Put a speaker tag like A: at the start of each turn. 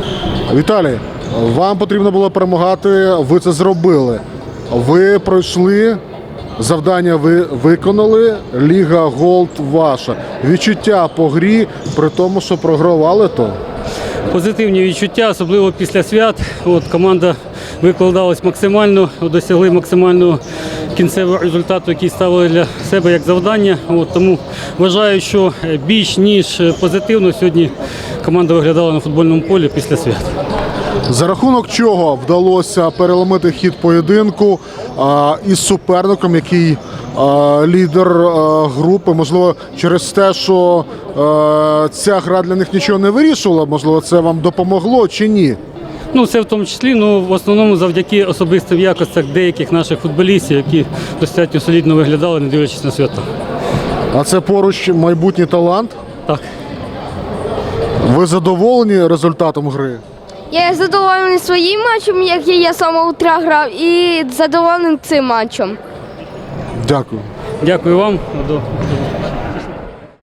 A: Віталій, вам потрібно було перемагати, ви це зробили. Ви пройшли, завдання ви виконали, Ліга Голд ваша. Відчуття по грі, при тому, що програвали то?
B: Позитивні відчуття, особливо після свят. Команда викладалась максимально, досягли максимального кінцевого результату, який ставили для себе як завдання. Тому вважаю, що більш ніж позитивно сьогодні команда виглядала на футбольному полі після свят.
A: За рахунок чого вдалося переломити хід поєдинку із суперником, який лідер групи, можливо, через те, що ця гра для них нічого не вирішувала, можливо, це вам допомогло чи ні?
B: Це в тому числі, в основному завдяки особистим якостям деяких наших футболістів, які достатньо солідно виглядали, не дивлячись на свята.
A: А це поруч майбутній талант?
B: Так.
A: Ви задоволені результатом гри?
C: Я задоволений своїм матчем, який я з самого утра грав, і задоволений цим матчем.
A: Дякую.
B: Дякую вам. До